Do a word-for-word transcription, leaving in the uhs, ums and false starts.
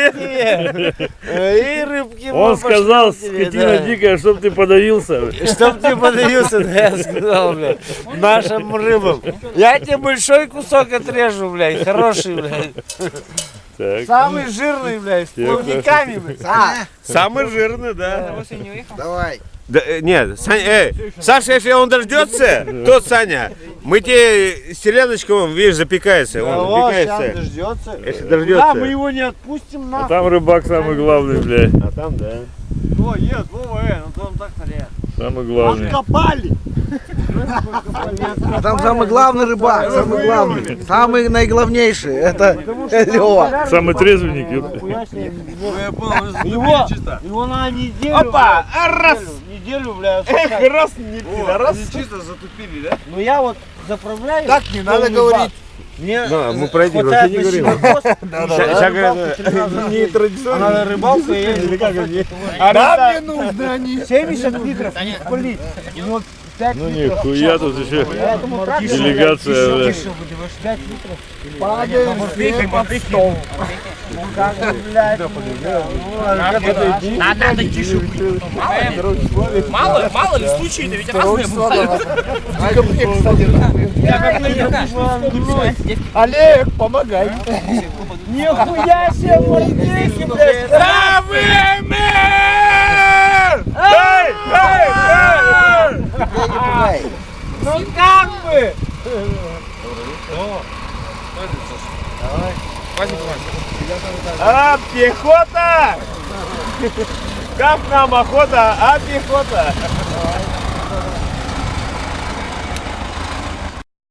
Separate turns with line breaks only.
тебе. И рыбки.
Он сказал, скотина дикая, чтоб ты подавился.
Чтоб ты подавился, да, я сказал, блядь, нашим рыбам. Я тебе большой кусок отрежу, блядь, хороший, блядь.
Так.
Самый жирный, блядь, с плавниками, блядь. А,
Самый жирный, да.
Давай.
Да, э, нет, Саня, э, Саша, если он дождется, то Саня, мы тебе селеночку, видишь, запекается, он
о, сейчас
запекается.
дождется.
Если
Да,
дождется.
мы его не отпустим,
А
нахуй.
там рыбак самый главный, блядь.
А там, да.
О, нет, Вова, э, ну там так наряд.
Самый главный.
Копали.
А там самый главный рыбак, самый главный, самый наиглавнейший, это Лева.
Самый трезвенник, ёпта.
Его, его на неделю.
Опа,
блядь,
раз.
Неделю, бля.
Эх, раз, не раз.
чисто затупили, да?
Ну я вот заправляю.
Так не надо
полный
говорить.
бак. Мне
Да, мы
за-
про эти
хватает
вообще не
на
говорим.
силовоз,
Да,
и
да,
я
да.
рыбалку три раза в день. А надо рыбалку, я езжу по факту.
Да, мне нужно они.
семьдесят литров не полить. У него пять
Ну
литров.
нихуя тут еще
Поэтому трактор,
делегация,
блядь,
да.
тише будешь, пять литров.
Падаем под стол.
Ну как бы, блядь, ну, ну, а это иди.
Надо, надо тише быть. Мало ли, мало, мало ли случаи-то ведь разные бывают.
Я как на
Олег, помогай.
Нихуя себе, мордейки, блядь.
Эй, эй, эй!
Ну как бы?
А, пехота! Как нам охота, а пехота?